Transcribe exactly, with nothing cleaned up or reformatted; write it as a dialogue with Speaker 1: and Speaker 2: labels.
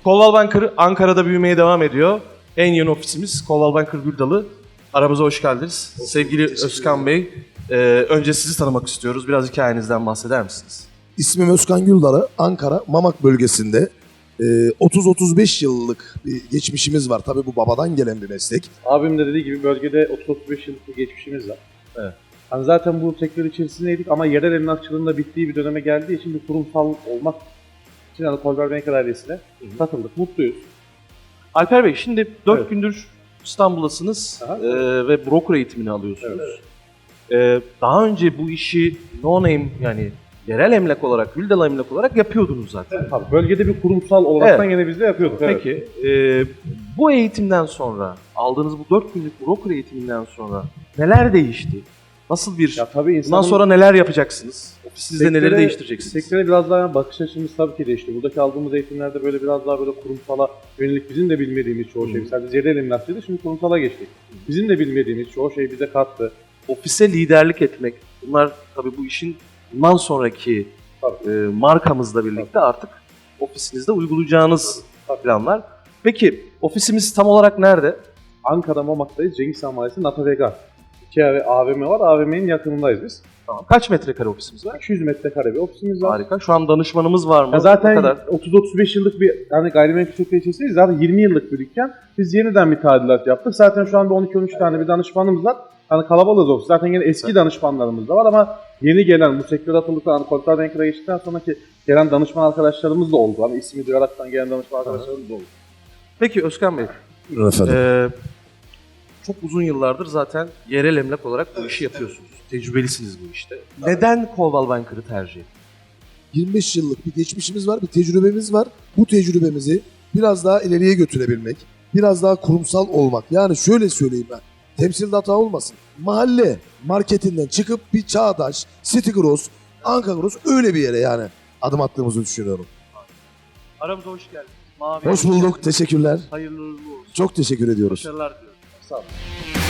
Speaker 1: Coldwell Banker Ankara'da büyümeye devam ediyor. En yeni ofisimiz Coldwell Banker Güldalı. Aramıza hoş geldiniz. Hoş Sevgili Özkan Bey, e, önce sizi tanımak istiyoruz. Biraz hikayenizden bahseder misiniz?
Speaker 2: İsmim Özkan Güldalı. Ankara Mamak bölgesinde e, otuz otuz beş yıllık bir geçmişimiz var. Tabii bu babadan gelen bir meslek.
Speaker 3: Abim de dediği gibi bölgede otuz otuz beş yıllık bir geçmişimiz var.
Speaker 1: Evet.
Speaker 3: Hani zaten bu sektör içerisindeydik ama yerel emlakçılığın da bittiği bir döneme geldiği için bir kurumsal olmak için hani Coldwell Banker ailesine katıldık. Mutluyuz.
Speaker 1: Alper Bey, şimdi dört
Speaker 3: Evet.
Speaker 1: gündür İstanbul'dasınız
Speaker 3: Aha.
Speaker 1: e, ve broker eğitimini alıyorsunuz. E, daha önce bu işi no name, yani yerel emlak olarak, Güldalı emlak olarak yapıyordunuz zaten.
Speaker 3: Tabii bölgede bir kurumsal olaraktan
Speaker 1: Evet.
Speaker 3: yine biz de yapıyorduk. Evet.
Speaker 1: Peki, e, bu eğitimden sonra, aldığınız bu dört günlük broker eğitiminden sonra neler değişti? Nasıl bir,
Speaker 3: Ya tabii
Speaker 1: bundan
Speaker 3: insanın
Speaker 1: sonra neler yapacaksınız? Ofisinizde neleri
Speaker 3: sektöre-
Speaker 1: değiştireceksiniz?
Speaker 3: Sektöre biraz daha bakış açımız tabii ki değişti. Buradaki aldığımız eğitimlerde böyle biraz daha böyle kurumsala yönelik bizim de bilmediğimiz çoğu şey. Mesela biz yerel emlakçıydı, şimdi kurumsala geçtik. Bizim de bilmediğimiz çoğu şey bize kattı.
Speaker 1: Ofise liderlik etmek, bunlar tabii bu işin bundan sonraki
Speaker 3: Tabii.
Speaker 1: e, markamızla birlikte artık ofisinizde uygulayacağınız
Speaker 3: Tabii.
Speaker 1: planlar. Peki, ofisimiz tam olarak nerede?
Speaker 3: Ankara Mamak'tayız. Cengiz Han Mahallesi Nata Vega. İki A V M var. A V M'nin yakınındayız biz.
Speaker 1: Tamam. Kaç metrekare ofisimiz var?
Speaker 3: iki yüz metrekare bir ofisimiz var.
Speaker 1: Harika. Şu an danışmanımız var mı?
Speaker 3: Ya
Speaker 1: Ne
Speaker 3: zaten
Speaker 1: kadar?
Speaker 3: otuz otuz beş yıllık bir hani gayrimenkul sektörü içerisindeyiz. Zaten yirmi yıllık bir dükkan. Biz yeniden bir tadilat yaptık. Zaten şu anda on iki on üç tane bir danışmanımız var. Hani kalabalığız ofis. Zaten yine eski
Speaker 1: Evet.
Speaker 3: danışmanlarımız da var ama yeni gelen bu sektöre atıldıktan, hani Coldwell Banker'a geçtikten sonraki gelen danışman arkadaşlarımız da oldu. Hani ismi duyaraktan gelen danışman arkadaşlarımız da oldu.
Speaker 1: Peki Özkan Bey,
Speaker 2: Efendim.
Speaker 1: e, çok uzun yıllardır zaten yerel emlak olarak bu işi yapıyorsunuz. Tecrübelisiniz bu işte. Neden Coldwell Banker'ı tercih ettiniz?
Speaker 2: yirmi beş yıllık bir geçmişimiz var, bir tecrübemiz var. Bu tecrübemizi biraz daha ileriye götürebilmek, biraz daha kurumsal olmak. Yani şöyle söyleyeyim ben, temsilde hata olmasın. Mahalle marketinden çıkıp bir Çağdaş, City Gross, Ankara Gross öyle bir yere yani adım attığımızı düşünüyorum.
Speaker 1: Aramıza hoş geldiniz. Mavi
Speaker 2: Hoş bulduk, teşekkürler.
Speaker 1: Hayırlı uğurlu olsun.
Speaker 2: Çok teşekkür ediyoruz.
Speaker 1: Başarılar diliyorum.
Speaker 3: Sağ olun.